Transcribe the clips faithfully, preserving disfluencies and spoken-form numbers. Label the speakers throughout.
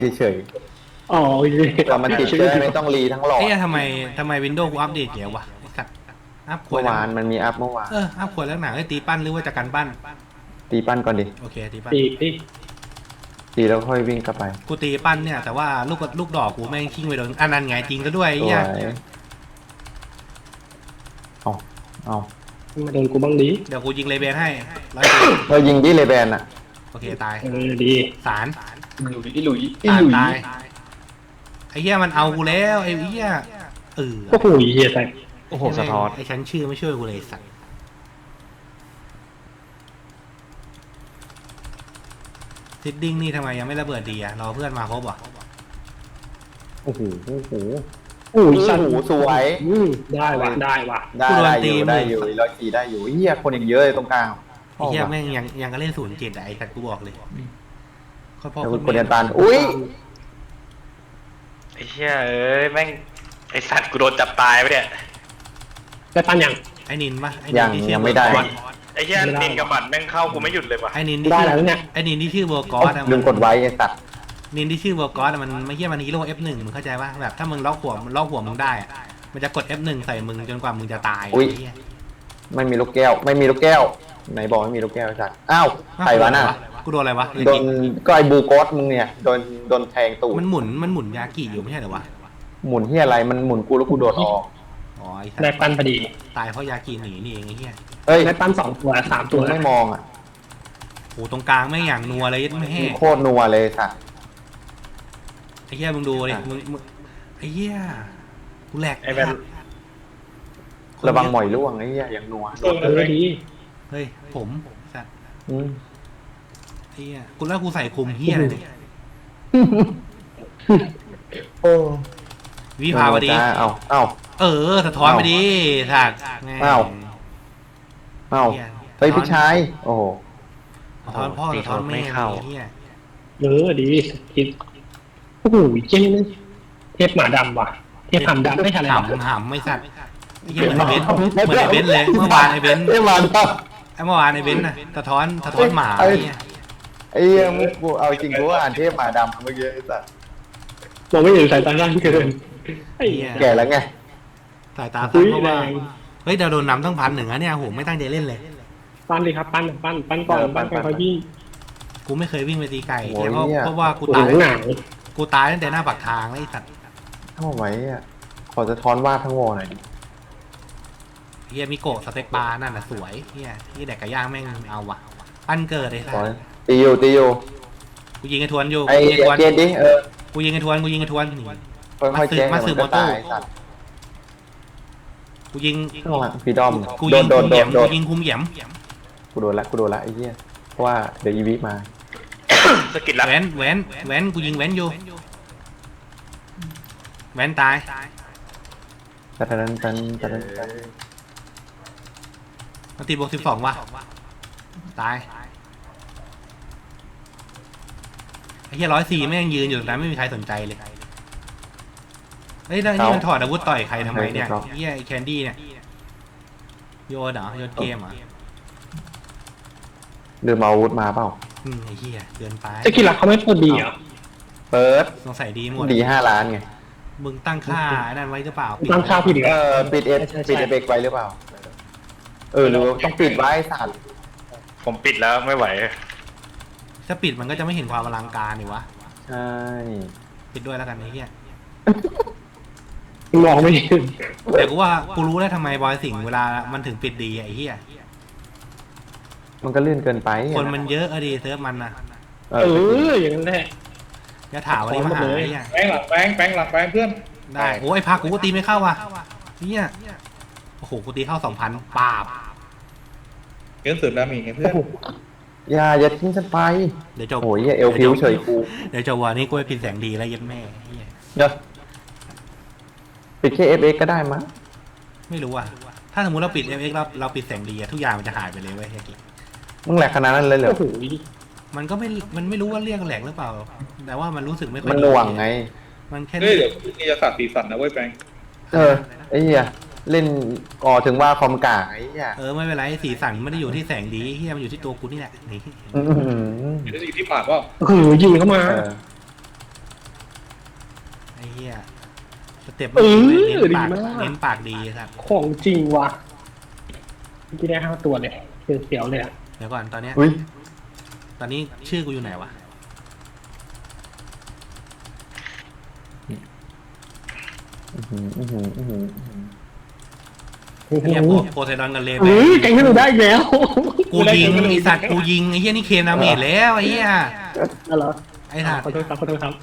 Speaker 1: เฉย
Speaker 2: อ๋อโอเค
Speaker 1: ๆแต่มันติดเชื้อไม่ต้องรีทั้งหลอด
Speaker 3: เอ๊ะทำไมทำไมวินโดว์กูอัปเดตเยอะวะไอ้สัตว์อัพขว
Speaker 1: เมื่
Speaker 3: ด
Speaker 1: อวานมันมีอัพเมื่อวาน
Speaker 3: เอออัพขวดแล้วหนังให้ตีปั้นหรือว่าจากการปั้น
Speaker 1: ตีปั้นก่อนดิ
Speaker 3: โอเคตีปั้น
Speaker 2: ตีตี
Speaker 1: ตีแล้วค่อยวิ่งกลับไป
Speaker 3: กูตีปั้นเนี่ยแต่ว่าลูกลูกดอกกูแม่งทิ้งไปโดนอันนั้นไงจริงซะด้วยไอ้
Speaker 1: สว
Speaker 3: เหี้ย
Speaker 1: ยเอาเอา
Speaker 2: มาโดนกูบ้างดี
Speaker 3: เดี๋ยวกูยิงเลเบนให้ร้อยตี
Speaker 1: เรายิงดิเลแบนอะ
Speaker 3: โอเคตาย
Speaker 2: เออดี
Speaker 3: สาร
Speaker 4: หลุยหลุย
Speaker 3: ตาย
Speaker 4: หลุย
Speaker 3: ตายไอ้เหี้ยมันเอากูแล้วไอ้เหี้ยเออ
Speaker 2: โอ้โหเฮียแต่
Speaker 4: โอ้โหสะท้อน
Speaker 3: ไอ้ฉันชื่อไม่ช่วยกูเลยสัตว์ซิดดิ้งนี่ทำไมยังไม่ระเบิดดีอะรอเพื่อนมาครบอ่ะ
Speaker 1: โอ้โหโอ้โห
Speaker 2: โอ้ย
Speaker 1: โอ้
Speaker 2: สัต
Speaker 1: โห
Speaker 2: ว์
Speaker 1: สวย
Speaker 2: อืมได้ว่ะได้ว่ะ
Speaker 1: ได้ได้อยู่ได้อยู่ร้อยสี่ได้อยู่เฮียคนอีกเยอะเลยตรงกลาง
Speaker 3: ไอ้เหี้ยแม่งยังยังก็เล่นศูนย์เจ็ดอะไอ้สัตว์กูบอกเลยค่อยพ่อ
Speaker 1: แล้ว
Speaker 3: คน
Speaker 1: คนเดียนตันอุ้ย
Speaker 4: ไอ้เหี้ยเอ้ยแม่งไอ้สัตว์กูโดนจับตายไปเนี่ย
Speaker 2: ได้ปันยัง
Speaker 3: ไอ้นินปะไอ้นิ
Speaker 1: ยัง
Speaker 3: นที่ชื่
Speaker 1: ยั
Speaker 3: อง
Speaker 1: ไม่ได้
Speaker 3: เบอร์กอส
Speaker 4: ไอ้เหี้ยนินกับบัตรแม่งเข้ากูไม่หยุดเลยว่ะ
Speaker 3: ไอ้นินที่
Speaker 2: ได้
Speaker 3: ชื่อ
Speaker 2: แล้วเนี่ย
Speaker 3: ไอ้นินที่ชื่อเบอร์กอสอะ
Speaker 1: ลืมกดไว้ไอ้สัตว์
Speaker 3: นินที่ชื่อเบอร์กอสอะมันไม่เหี้ยมันฮีโร่ เอฟ หนึ่งมึงเข้าใจปะแบบถ้ามึงล็อกหัวมึงล็อกหัวมึงได้อะมันจะกด เอฟ หนึ่งใส่มึงจนกว่ามึงจะตายไอ้เหี้ย
Speaker 1: ไม่มีลูกแก้ว ไม่มีลูกแก้วไหนบอกไม่มีลูกแก้วไอ้สัตว์อ้าวใครวะน่ะ
Speaker 3: กูโดนอะไรวะ
Speaker 1: โดนก็ไอ้บูโกสมึงเนี่ยโดนโดนแทงตูด
Speaker 3: มันหมุนมันหมุนยากิอยู่ไม่ใช่เหรอวะ
Speaker 1: หมุนที่อะไรมันหมุนกูแล้วกูโดดออก
Speaker 3: อ๋อไอ้สั
Speaker 2: ได้
Speaker 3: ตว์
Speaker 2: ปันพอดี
Speaker 3: ตายเพราะยากิหนีนี่เองไอ้เหี้ย
Speaker 1: เฮ้ย
Speaker 2: ได้ปันสองตัวสาม
Speaker 1: ตั
Speaker 2: ตัว ว
Speaker 1: ไม่มองอ่ะ
Speaker 3: โอ้ตรงกลางแม่งอย่างนัวเลยไม่แห้
Speaker 1: โคตรนัวเลยสัตว์
Speaker 3: ไอ้เหี้ยมึงดูดิมึงมึงไอ้เหี้ยกูแหลก
Speaker 4: ไอ้แมน
Speaker 1: ระวังหมอยร่วงไอ้เหี้ยอย่างนัว
Speaker 2: เออดี
Speaker 3: เฮ้ยผมสัตว์
Speaker 1: อืม
Speaker 3: ไอ้เหี้ยกูแล้วกูใส่คุมเหี้ยอะไรเนี่ย
Speaker 1: โอ้
Speaker 3: วิภาวดี
Speaker 1: จ้เอาเอ้า
Speaker 3: เออสะท้อนไปดิสัตว์แม่ง
Speaker 1: อ้าว เอ้าเฮ้ยพี่ชายโอ้โห
Speaker 3: สะท้อนพ่อสะท้อนแม่ไอ้เหี้ย
Speaker 2: เออดีคิดโอ้โหเจ๊นี่เทพหมาดำว่ะเทพหำดำไม่ทันอะไร
Speaker 3: หำหำไม่สัตว์ไอ้เหี้ยเหมือนไอ้เบนซ์เหมือนไอ้เบนซ์เลยเมื่อวานไอ้เบนซ์
Speaker 1: ไอ้มัน
Speaker 3: ไอ้เมื่อวานไอ้เบนซ์น่ะสะท้อนสะท้อนหมาไอ้เหี้ย
Speaker 1: ไอ้เหี้ยมึงกูเอาจริงกูว่าอ่านเทพหมาดำเมื่อกี้ไอ้สัตว์
Speaker 2: มองไม่เห็นสายตาล่างเกินไอ้
Speaker 3: เหี้ย
Speaker 1: แก่แล้วไง
Speaker 3: สายตา
Speaker 2: อุ้
Speaker 3: สั้น
Speaker 2: ย
Speaker 3: เพราะ
Speaker 2: แร
Speaker 3: ว่าง เฮ้ยเราโดนนำตั้งพันหนึ่งอะเนี่ยโหไม่ตั้งใจเล่นเลย
Speaker 2: ปั้นเลยครับปั้นปั้นปั้นก่อนปั้นก่อนค่อยวิ่ง
Speaker 3: กูไม่เคยวิ่งไปตีไก่
Speaker 1: โอ้ย
Speaker 3: เพราะ
Speaker 1: เนี่ย
Speaker 3: เพราะว่ากู
Speaker 2: หนั
Speaker 3: ตาย
Speaker 2: งหนัง
Speaker 3: กูตายตั้งแต่หน้าปากทางแล้วไอ้สัตว์
Speaker 1: ทำไมอ่ะขอจะท้อนวาดทั้งวอหน่อยดิ
Speaker 3: เฮียมิโกะสเต็กปลานั่นน่ะสวยเฮียที่แดกกระย่างแม่งเอาว่ะปั้นเกิดเลยสัต
Speaker 1: ขอ
Speaker 3: ว์
Speaker 1: ตีอยู่ตีอยู่
Speaker 3: กูยิงไอ้ทวนอยู่
Speaker 1: ไอ้
Speaker 3: กูยิงไอ้ทวน
Speaker 1: เกณฑ์ดิเออ
Speaker 3: กูยิงไอ้ทวนกูยิงไอ้ทวนนี่
Speaker 1: ค่อยๆแจ้ง
Speaker 3: มา
Speaker 1: เดี๋ยว
Speaker 3: สื
Speaker 1: มั
Speaker 3: บ
Speaker 1: นก็
Speaker 3: มอเตอร์
Speaker 1: ตายสัตว์
Speaker 3: กูยิง
Speaker 1: ข้างหลังพี่ดอม
Speaker 3: กู
Speaker 1: โด
Speaker 3: ยิ
Speaker 1: น
Speaker 3: ง
Speaker 1: โด
Speaker 3: คุ
Speaker 1: น
Speaker 3: ม
Speaker 1: โด
Speaker 3: เหยี่ย
Speaker 1: น
Speaker 3: ม
Speaker 1: โด
Speaker 3: กู
Speaker 1: น
Speaker 3: ยิงคุมเหยี่ยม
Speaker 1: กูโดนละกูโดนละไอ้เหี้ยเพราะว่าเดี๋ยวอีวิมา
Speaker 4: สกิลลับ
Speaker 3: แหวนแหวนแหวนกูยิงแหวนอยู่แหวนตาย
Speaker 1: ตันตันตันตันตัน
Speaker 3: มันตีบวกสิบสองว่ะตายไอ้เฮียร้อยสี่แม่งยืนอยู่ตรงนั้นไม่มีใครสนใจเลยเฮ้ยแล้วนี่มันถอดอาวุธต่อยใครทำไมเนี่ยเฮียไอ้แคนดี้เนี่ยโยนเหรอโยนเกมเหรอ
Speaker 1: ลืมเอาอาวุธมาเปล่า
Speaker 3: อืมไอ้เหี้ยเกินไป
Speaker 2: จะกินหลักเขาไม่พูดดีเหรอ
Speaker 1: เปิด
Speaker 3: สงสัยดีหมด
Speaker 1: ดีห้าล้านไง
Speaker 3: มึงตั้งค่าไอ้นั่นไว้หรือเปล่าปิด
Speaker 2: ตั้งค่าผิดเหร
Speaker 1: เอ
Speaker 2: อ
Speaker 1: อปิดเอฟปิดเอฟเอกไว้หรือเปล่าเออหรือต้องปิดไว้สัตว์
Speaker 4: ผมปิดแล้วไม่ไหว
Speaker 3: ถ้าปิดมันก็จะไม่เห็นความอลังการนี่วะ
Speaker 1: ใช่
Speaker 3: ปิดด้วยแล้วกันไอ้เหี้ย
Speaker 2: มองไม่เห็น
Speaker 3: แต่กูว่ากูรู้แล้วทำไมบอยสิงห์เวลามันถึงปิดดีอะไอ้เหี้ย
Speaker 1: มันก็ลื่นเกินไป
Speaker 3: คนมันเยอะอะดีเซิร์ฟมันนะ
Speaker 1: เอ
Speaker 2: เอ
Speaker 1: อ
Speaker 2: ออย่างนั้นแหละ
Speaker 3: อย่าถามวันนี้มาหาไอ้เหี้ย
Speaker 5: แปงหลังแปงแปงหลังแปงเพื่อน
Speaker 3: ได้โอ้ยพักกูก็ตีไม่เข้าว่ะเหี้ยโอ้โหกูตีเข้าสองพันปาบ
Speaker 5: เกินเสริมดาเมจไงเพื่อน
Speaker 1: อย่าอย่าทิ้งฉันไป
Speaker 3: เดี๋ยวจบ
Speaker 1: โอ้ยเหี้ยเอลพิวเฉยกู
Speaker 3: เดี๋ยวจบวันนี้กูไปปิดแสงดีแล้วเย็ดแม่เหี้ย
Speaker 1: เดี๋ยวปิดแค่เอฟเอกก็ได้มั้ง
Speaker 3: ไม่รู้อ่ะถ้าสมมติเราปิด เอฟ เอ็กซ์ เราเราปิดแสงดีอะทุกอย่างมันจะหายไปเลยเว้ยเฮียกิ
Speaker 1: มึงแหลกขนาดนั้นเลยเหรอ
Speaker 2: โอ้โห
Speaker 3: มันก็ไม่ มันไม่รู้ว่าเรียกแหลกหรือเปล่า แต่ว่ามันรู้สึกไม่ค่อย
Speaker 1: มัน
Speaker 3: ดี
Speaker 1: หน่วงไง
Speaker 3: มันแค่
Speaker 5: เฮ้ยเดี๋ยวนี่จะสาดสีสันนะเว้ยแปง
Speaker 1: เออไอ้เหี้ยเล่นก่อถึงว่าคอมกากไอ้เหี้ย
Speaker 3: เออไม่เป็นไรสีสันไม่ได้อยู่ที่แสงดีเฮียมันอยู่ที่ตัวกูนี่แหละนี่
Speaker 1: อื้อหือ
Speaker 5: เดี๋ยวจะอยู่ที่ปากว่า
Speaker 2: โอ้โหยิงเข้ามา
Speaker 1: เออ
Speaker 3: อ้เหี้ยสเต็ป
Speaker 2: เออ
Speaker 3: เน้น
Speaker 2: ดี
Speaker 3: ปาก
Speaker 2: มาก
Speaker 3: เน้นปากดีครับ
Speaker 2: ของจริงว่ะที่ได้ห้าตัวเลยเสียวๆเลยอ่ะ
Speaker 3: เดี๋ยวก่อนตอนเนี้ย
Speaker 1: อุ้ย
Speaker 3: ตอนนี้ชื่อกูอยู่ไหนวะ
Speaker 1: อื้อหืออื้อหืออื้อหือ
Speaker 3: ไอ้เหี้ยโพโพไซดอนกันเลย
Speaker 2: เฮ้ยแกงให้เราได้อีกแล้ว
Speaker 3: กูยิงไอ้สัตว์กูยิงไอ้เหี้ยนี่เคมดาเมจแล้วไอ้เหี้ย
Speaker 2: อะไรเหรอ
Speaker 3: ไอ้สัตว์
Speaker 2: ขอโทษครับขอโทษครับ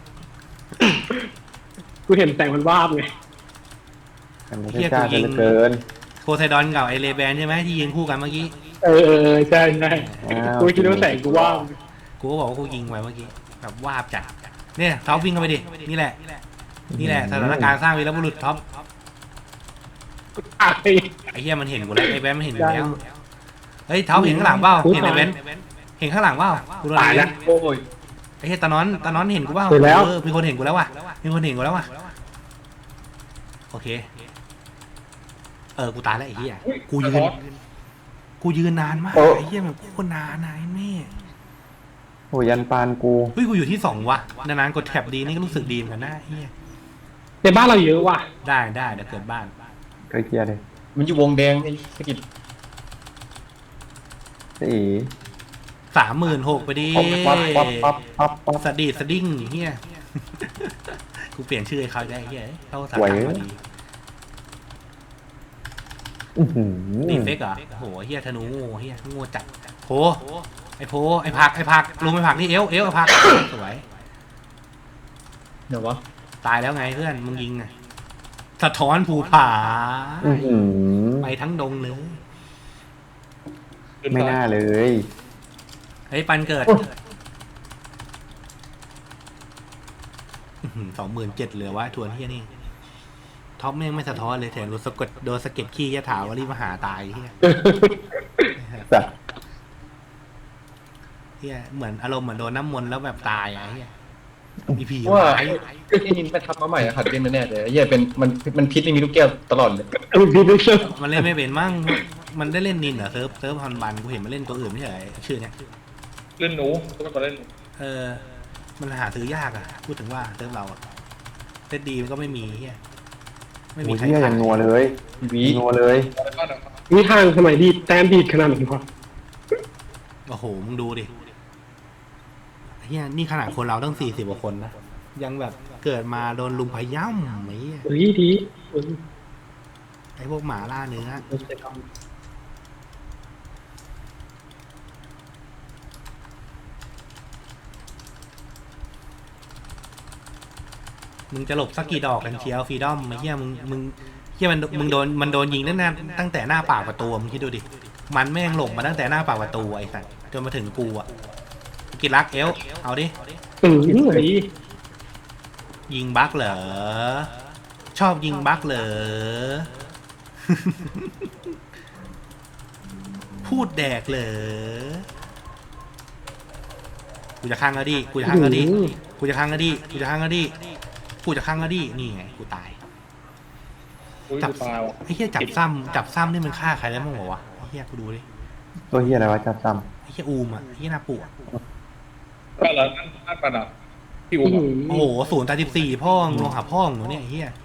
Speaker 2: กูเห็นแต่งมันวาบไง
Speaker 1: อันนี้จ้าจะเหลือเกิน
Speaker 3: โพไซดอนกับไอเลแบนใช่ไหมที่ยิงคู่กันเมื่อกี้
Speaker 2: เออเออใช่ใช่
Speaker 1: อ้าว
Speaker 2: กูคิดว่าแต่งกูวาบ
Speaker 3: กูก็บอกว่ากูยิงไว้เมื่อกี้แบบวาบจัดเนี่ยท็อปวิ่งเข้าไปดินี่แหละ นี่แหละสถานการณ์สร้างวีรบุรุษท็อป
Speaker 2: ตาย
Speaker 3: ไอ้เหี้ยมันเห็นกูแล้วไอ้แบนมันเห็นอยู่แล้วเฮ้ยท็อปเห็นข้างหลังเปล่าเห็นไอ้แบนเห็นข้างหลังเปล่ากูโดน
Speaker 2: ตาย
Speaker 3: อะไร
Speaker 2: แล้วโอ้ย
Speaker 3: ไอ้เหี้ยตานอนตานอนเห็นกูเปล่า
Speaker 2: เห็นแล้ว
Speaker 3: เออมีคนเห็นกูแล้วว่ะมีคนเห็นกูแล้วว่ะโอเคเออกูตายแล้วไอ้เหี้ยกูยืนกูยืนนานมากไอ้เหี้ยแบบโคตรนานนะไอ้แม่
Speaker 1: โอ้ยันปานกู
Speaker 3: เฮ้ยกูอยู่ที่สองว่ะนานๆกดแท็บดีนี่ก็รู้สึกดีเหมือนกันนะไอ้เหี้ย
Speaker 2: ในบ้านเราเยอะว่ะ
Speaker 3: ได้ได้เดี๋ยวเกิดบ้าน
Speaker 1: เคยเคลียร์เลย
Speaker 6: มันอยู่วงแดงไอ้สกิด
Speaker 1: สี
Speaker 3: สามหมื่นหกไปดิ
Speaker 1: ปั๊บปั๊บปั๊บปั๊บปั๊บ
Speaker 3: สดีดสดิ้งเฮียกูเปลี่ยนชื่อให้เขาได้เฮียเข้าสาขาพอดี
Speaker 1: อื้อหือ
Speaker 3: ดีเฟกเหรอโหเฮียธนูโง่เฮียโง่จัดโผไอโผไอผักไอผักลงไปผักที่เอวเอวไอผักสวย
Speaker 6: เดี๋ยววะ
Speaker 3: ตายแล้วไงเพื่อนมึงยิงไงสะท้อนภูผา
Speaker 1: อื้อหือ
Speaker 3: ไปทั้งดงเลย
Speaker 1: ไม่น่าเลย
Speaker 3: เฮ้ยปันเกิดสองหมื่นเจ็ดเหลือวะทวนเฮียนี่ท็อปแม่งไม่สะท้อนเลยแถมโดนสะกดโดนสะเก็ดขี้ยะถาวรีบมาหาตายเฮีย
Speaker 1: สัตว์
Speaker 3: เฮียเหมือนอารมณ์เหมือนโดนน้ำมนต์แล้วแบบตายอะเฮียมีผี
Speaker 6: ว่า
Speaker 3: ร้าย
Speaker 6: ไอ้นินไปทับมาใหม่อะขัดเล่นแน่ๆเลยไอ้เหี้ยเป็นมันมันพิษไม่มีลูกแก้วตลอดเลย
Speaker 2: เออพี่ไม่เชื่อ
Speaker 3: มันเล่นไม่เป็นมั่งมันได้เล่นนินเหรอเซิร์ฟเซิร์ฟฮอนบันกูเห็นมันเล่นตัวอื่นไม่ใช่เหรอชื่อเนี้ย
Speaker 5: เล่นหนูต้องมาเล่นหนู
Speaker 3: เออมันหาซื้อยากอะพูดถึงว่าเซิร์ฟเราอะเล่นดีมันก็ไม่มีเฮียไม่มี
Speaker 1: โอ้ย
Speaker 3: ใคร
Speaker 1: เหี้ย
Speaker 3: ขา
Speaker 1: ยังนัวเลย
Speaker 6: วี
Speaker 1: นัวเลย
Speaker 5: อะไรบ้างนะครับ
Speaker 2: มีทางสมัยดีแต้มดีดขนาดไหนวะ
Speaker 3: โอ้โหมึงดูดิเฮียนี่ขนาดคนเราตั้งสี่สิบกว่าคนนะยังแบบเกิดมาโดนลุมพย่ำไอ้เหี้ย
Speaker 2: เฮ้ยดีเฮ้ย
Speaker 3: ไอ้พวกหมาล่าเนื้อ มึงจะหลบสักกี่ดอกกันเชียวฟรีดอมไอ้เหี้ยมึงมึงเหี้ยมันมึงโดนมันโดนยิงตั้งแต่ตั้งแต่หน้าปากประตูมึงคิดดูดิมันแม่งหลบมาตั้งแต่หน้าปากประตูไอ้สัสจนมาถึงกูอะกินรักเอลเอาดิ
Speaker 2: เออเฮ้ย
Speaker 3: ยิงบั๊กเหรอชอบยิงบั๊กเหรอ พูดแดกเหรอกูจะข้างก็ดิกูจะข้างก็ดิกูจะข้างก็ดิกูจะข้างก็ดิกูจะข้างก็ดินี่ไงกูตาย
Speaker 5: อุ้ย
Speaker 3: จับ
Speaker 5: กูตายว่ะ
Speaker 3: ไอ้เหี้ยจับซ้ำจับซ้ำนี่มันฆ่าใครได้บ้างวะไอ้เหี้ยกูดูดิ
Speaker 1: ตัวเฮียอะไรวะจับซ้
Speaker 3: ไอ้เหี้ยอูมอ่ะไอ้เหี้ยหน้าปู่อะ
Speaker 5: ก็แล้วนั่นนั่นปะนะพี่อุ้มอะ
Speaker 3: โอ้โหศูนย์ตาสิบสี่พ่องลงหาพ่องหนูเนี่ยไอ้เหี้ย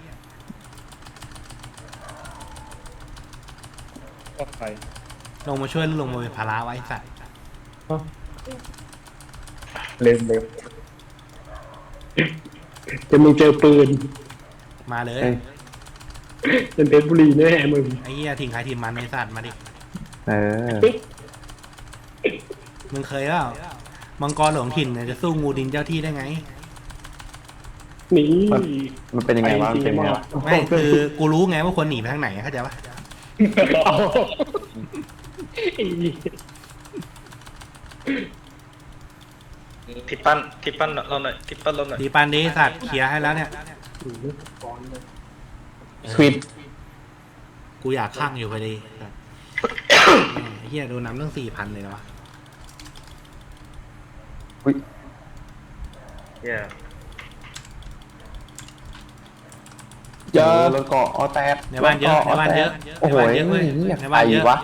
Speaker 5: ก็ใคร
Speaker 3: ลงมาช่วยหรือลงมาเป็นภาระไวะไอ้สัตว์
Speaker 6: เล่นเร็ว
Speaker 2: จะมีเจอปืน
Speaker 3: มาเล
Speaker 1: ำ
Speaker 3: ย
Speaker 1: เอ้ย
Speaker 2: เป็นเพชรบุรีแน่มึง
Speaker 3: ไอ้เหี้ยทีมใครทีมมันไอ้สัตว์มาดิ
Speaker 1: เออ
Speaker 3: มึงเคยเปล่ามังกรหลวงถิ่นเนี่ยจะสู้งูดินเจ้าที่ได้ไง
Speaker 2: นี่
Speaker 1: มันเป็นยังไงวะมันเป็นยังไงวะ
Speaker 3: ไม่คือกูรู้ไงว่าควรหนีไปทางไหนเข้าใจปะ
Speaker 4: ทิปปั้นทิปปั้นเราหน่อยทิปปั้นเราหน่อย
Speaker 3: ดีปานดีสัตว์เคลียร์ให้แล้วเนี่ย
Speaker 6: ควิด
Speaker 3: กูอยากข้างอยู่พอดีสัตว์แหมไอ้เหี้ยโดนน้ำเรื่องสี่พันเลยนะวะ
Speaker 1: อุ้ย
Speaker 4: เหี้ย
Speaker 1: เจอรถเกาะออแตด
Speaker 3: ในบ้านเยอะในบ้านเยอะ
Speaker 1: โอ้
Speaker 3: ใน
Speaker 1: โห
Speaker 3: บ้านเยอะเว้ย
Speaker 1: นี่
Speaker 3: ในบ้านเยอะ
Speaker 1: ใครวะ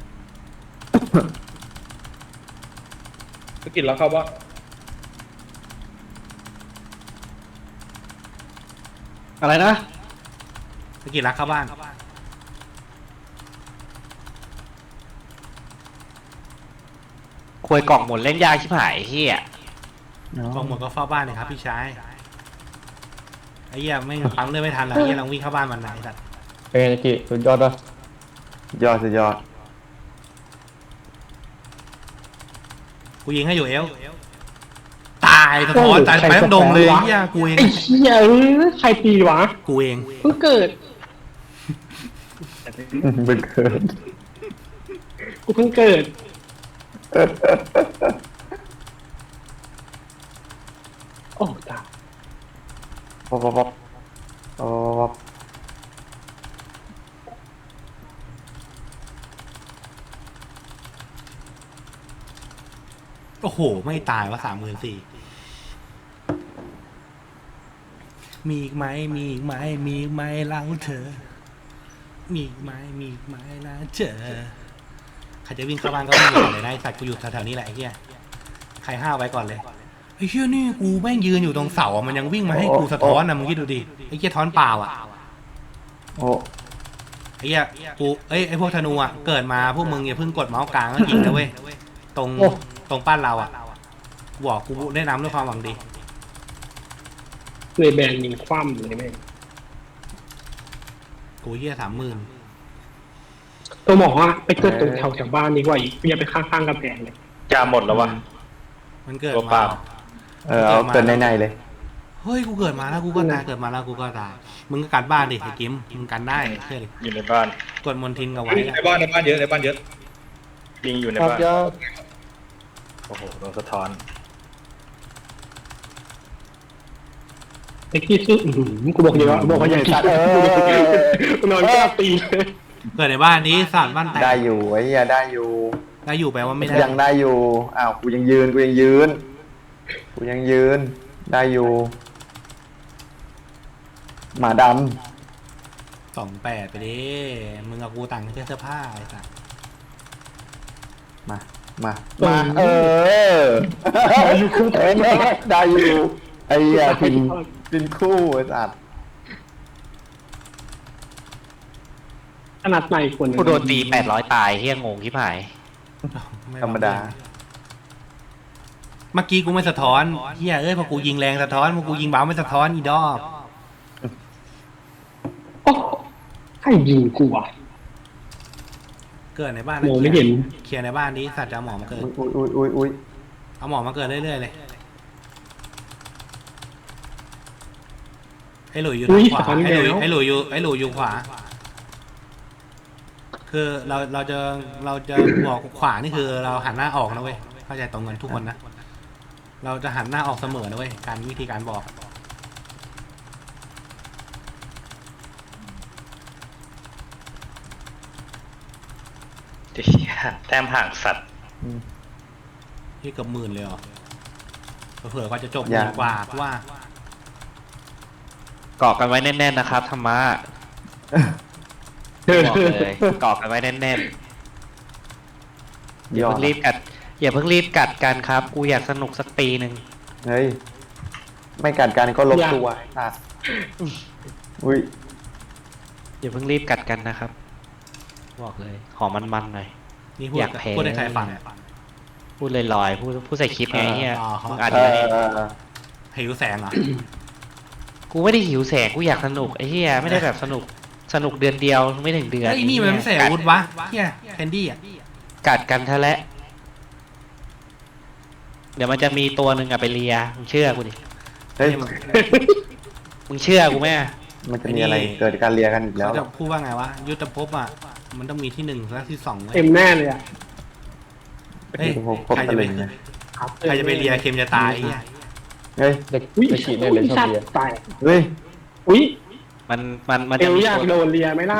Speaker 5: สกินแล้วเข้าบ้าน
Speaker 7: อะไรนะ
Speaker 3: สกิลรักเข้าบ้าน
Speaker 7: ควยกล่องหมดเล่นยากชิบหายไอ้เฮีย
Speaker 3: กองหมดก็เฝ้าบ้านเลยครับพี่ชายไอ้เหี้ยไม่ปั๊มเลือดไม่ทันหรอกไอ้เหี้ยลองวิ่งเข้าบ้านมันนะไอ้สัตว์
Speaker 6: เป็นไงกี้สุดยอดปะ
Speaker 1: ยอดสุดยอด
Speaker 3: กูยิงให้อยู่เอลตายสะท้อนตายไปทั้งดงเลยไอ้เหี้ยกูเอง
Speaker 2: ไอ้เหี้ยเอ้ยใครตีวะ
Speaker 3: กูเอง
Speaker 2: เพิ่งเกิด
Speaker 1: เป็นเกิน
Speaker 2: กูเพิ่งเกิดโอ้ตาย
Speaker 1: ป๊อปป๊อปป๊อปป๊อปป๊อป
Speaker 3: โอ้โหไม่ตายวะสามหมื่นสี่มีอีกไหมมีอีกไหมมีอีกไหมเล่าเธอ มีอีกไหมมีอีกไหมเล่าเธอใครจะวิ่งเข้าบ้านก็วิ่งก่อนเลยนะไอ้สัตว์กูอยู่แถวๆนี้แหละไอ้เหี้ยใครห้าวไว้ก่อนเลยไอ้เหี้ยนี่กูแม่งยืนอยู่ตรงเสาอะมันยังวิ่งมาให้กูสะท้อนนะมึงคิดดูดิไอ้เหี้ยท้อนเปล่าอ่ะ
Speaker 1: โอ้
Speaker 3: ไอ้เหี้ยกูเอ้ยไอ้พวกธนูอ่ะเกิดมาพวกมึงอย่าเพิ่งกดเมาส์กลางแล้วยิงนะเว้ยตรงตรงป้านเราอ่ะบอกกูแนะนำด้วยความหวังดี
Speaker 2: เลยแบนยิงคว่ำเลยแม่ง
Speaker 3: กูเหี้ยสามหมื่น
Speaker 2: ตัวหมออะไปเกิดตรงแถวแถวบ้านดีกว่าอีกอย่าไปข้างๆกำแพงเลย
Speaker 4: ยาหมดแล้ววะ
Speaker 3: มันเกิด
Speaker 4: ตัวเป
Speaker 3: มา
Speaker 4: ล่า
Speaker 1: เออเอาเกินในๆเลย
Speaker 3: เฮ้ยกูเกิดมาแล้วกูก็ตายเกิดมาแล้วกูก็ตายมึงก็กันบ้านดิไอ้กิมมึงกันได้เชื่อดิ
Speaker 4: อยู่ในบ้าน
Speaker 3: กดมนทินกับไว้
Speaker 5: ใน
Speaker 3: อะ
Speaker 5: บ้านในบ้านเยอะในบ้านเยอะ
Speaker 4: ยิงอยู่ใน
Speaker 6: ครับ
Speaker 4: บ้าน
Speaker 6: ยอด
Speaker 4: โอ้โหโดนสะท้อน
Speaker 2: ไอ้ที่ซื้ออื้อหือกูบอกเยอะบอกว่าใหญ่สัตว์เออนอนแก้ตีเลย
Speaker 3: เกิดในบ้านนี้สารบ้านแตก
Speaker 1: ได้อยู่ไอ้เหี้ยได้อยู่
Speaker 3: ได้อยู่แปลว่าไม่ได้
Speaker 1: ยังได้อยู่อ้าวกูยังยืนกูยังยืนกูยังยืนได้อยู่ หมาด
Speaker 3: สองแปดไปดิมึงกับกูต่างกันแค่เสื้อผ้าไอ้สัส
Speaker 1: ำมามามาเออได้อยู่ได้อยู่ไอ้เหี้ยพินพินคู่ไอ้สัตว์
Speaker 2: ขนาดในคน
Speaker 7: กูโดนตีแปดร้อยตายเฮียงงชิบหาย
Speaker 3: ไ
Speaker 1: ธรรมดา
Speaker 3: เมื่อกี้กูไม่สะท้อนเฮียเอ้ยพอกูยิงแรงสะท้อนพอกูยิงเบาไม่สะท้อนอีดอก
Speaker 2: โอ้ใครยิงกูอ่ะ
Speaker 3: เกิดในบ้าน
Speaker 2: มองไม่เห็น
Speaker 3: เคลียร์ในบ้านนี้สัตว์จะเอาหมอมาเกิด
Speaker 1: อุ้ยอุ้ยอุ้ยอุ้ย
Speaker 3: เอาหมอมาเกิดเรื่อยๆเลยไอ้หลุยอยู่ทางขวาไอ้หลุยไอ้หลุยอยู่ไอ้หลุยอยู่ขวา คือเราเราจะเราจะบอกขวานี่คือเราหันหน้าออกนะเว้ยเข้าใจตรงกันทุกคนนะเราจะหันหน้าออกเสมอนะเว้ยการวิธีการบอก
Speaker 4: เหี้ยแต้มห่างสัตว์
Speaker 3: ที่เกือบหมื่นเลยเหรอเผื่อๆก็จะจบหมื่นกว่าเพราะว่า
Speaker 7: เกาะกันไว้แน่นๆนะครับธรรมะบอกเลยเกาะกันไว้แน่นๆอย่าเพิ่งรีบกัดอย่าเพิ่งรีบกัดกันครับ กูอยากสนุกสักปีหนึ่ง
Speaker 1: เฮ้ยไม่กัดกันก็ลบตัวอ่ะอุ้ย
Speaker 7: อย่าเพิ่งรีบกัดกันนะครับ บอกเลยขอมันๆหน่อย
Speaker 3: นี่พูด
Speaker 7: อยากแพ้
Speaker 3: พูดให้ใครฟังอะ
Speaker 7: พูดลอยๆพูดพูดใส่คลิปไงเฮีย
Speaker 3: อ๋อ
Speaker 7: มึงอัด
Speaker 1: เอ
Speaker 7: ไว้
Speaker 1: อ
Speaker 3: หิวแสงเหรอ
Speaker 7: กูไม่ได้หิวแสงกูอยากสนุกไอ้เฮียไม่ได้แบบสนุกสนุกเดือนเดียวไม่ถึงเดือน
Speaker 3: ไอ้นี่มันไม่ใส่อาวุธวะเฮียแคนดี้อ่ะ
Speaker 7: กัดกันทะและเดี๋ยวมันจะมีตัวหนึ่งอะไปเลียมึงเชื่อกูดิ
Speaker 1: เฮ้ย
Speaker 7: มึงเชื่อกูไหมอะ
Speaker 1: มันจะมีอะไรเกิดการเลียกันอีกแล้ว
Speaker 3: เขาจะพูดว่าไงวะยุทธภพอ่ะมันต้องมีที่หนึ่งและที่สองเว้ย
Speaker 2: เต็มแน่เลยอ่ะ
Speaker 3: เฮ้ย
Speaker 1: พวกพวก
Speaker 3: ใคร
Speaker 1: ตะ
Speaker 3: จะไป
Speaker 1: ลึงเนี่ย
Speaker 3: ใครจะไปเลียเค็มจะตายไอ้เหี้ย
Speaker 1: เฮ้ย
Speaker 6: เด็ก
Speaker 2: อุ้ย
Speaker 6: เด็กขีดเนี่ยเลยชอบ
Speaker 2: สัต
Speaker 6: เรียน
Speaker 2: ว์ตาย
Speaker 1: เฮ้ย
Speaker 2: อุ้ย
Speaker 7: มันมันมัน
Speaker 2: เอ
Speaker 7: จะ
Speaker 2: ว
Speaker 7: มี
Speaker 2: อยาก
Speaker 7: ตัว
Speaker 2: โดนเลียไหมล่ะ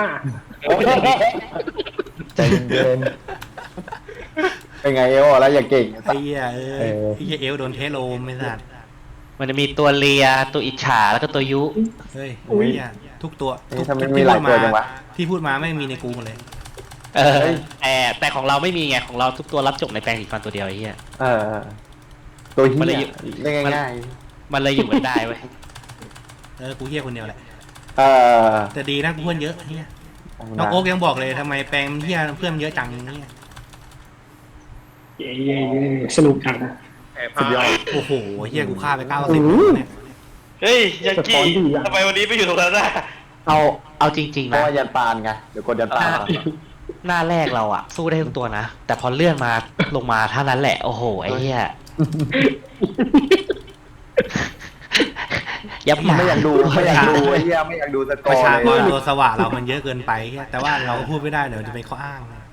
Speaker 6: ใจเย็น
Speaker 1: เป็นไงเอวอ่ะแล้วอย่าเก่ง
Speaker 3: ไอ้เหี้ยเอ้
Speaker 6: เอย อ
Speaker 3: ไอ้เหี้ยเอลโดนเทโลมไม่สัตว์
Speaker 7: มันจะมีตัวเลียตัวอิจฉาแล้วก็ตัวยุ
Speaker 3: เฮ้ยไอ้เหี้ยทุกตัว
Speaker 1: เฮ้ย
Speaker 3: ทุก
Speaker 1: ทำไม
Speaker 3: ทุก
Speaker 1: มี
Speaker 3: ที่
Speaker 1: หลา
Speaker 3: พู
Speaker 1: ย
Speaker 3: ด
Speaker 1: ตัว
Speaker 3: มา
Speaker 1: จังวะ
Speaker 3: ที่พูดมาไม่มีในกูหมดเลย
Speaker 7: เออแต่แต่ของเราไม่มีไงของเราทุกตัวรับจบในแปลงสีฟันตัวเดียวไอ้เหี้ย
Speaker 1: เออตัวเฮี
Speaker 7: มันเลย
Speaker 1: ย
Speaker 7: อยู่
Speaker 1: เล่นง่าย
Speaker 7: มันเลยอยู่กันได้เว้ย
Speaker 3: เออกูเหี้ยคนเดียวแหละ
Speaker 1: เออ
Speaker 3: แต่ดีนะกูเพื่อนเยอะเฮียน้องโอ๊กยังบอกเลยทำไมแปลงเฮียเพื่อนเยอะจังเนี่ย
Speaker 2: เย้เย้เย้สนุกจังนะ
Speaker 5: แอบพา
Speaker 3: โอ้โหเฮียกูฆ่าไปเก้าสิบเนี่ย
Speaker 4: เฮ้ยยังกี้ทำไมวันนี้ไม่อยู่ตรงนั้นน่ะ
Speaker 7: เอาเอาจริง
Speaker 1: เพ
Speaker 7: ๆ
Speaker 1: ราะ
Speaker 7: นะ
Speaker 1: ว่ายันปานไงเดี๋ยวกดยันปาน
Speaker 7: หน้าแรกเราอะสู้ได้ทุกตัวนะ แต่พอเลื่อนมาลงมาเท่านั้นแหละ โอ้โห ไอ้เหี้ยยับหมา
Speaker 1: ไม่อยากดูไม่อยากดูไอ้เหี้ยไม่อยากดูสก
Speaker 3: ป
Speaker 1: อ
Speaker 3: ระ
Speaker 1: ร์
Speaker 3: ชาก
Speaker 1: เล
Speaker 3: ร
Speaker 1: ย
Speaker 3: ตัวสว่างเรามันเยอะเกินไปเฮียแต่ว่าเราก็พูดไม่ได้เดี๋ยวจะเป็นข้ออ้างนะ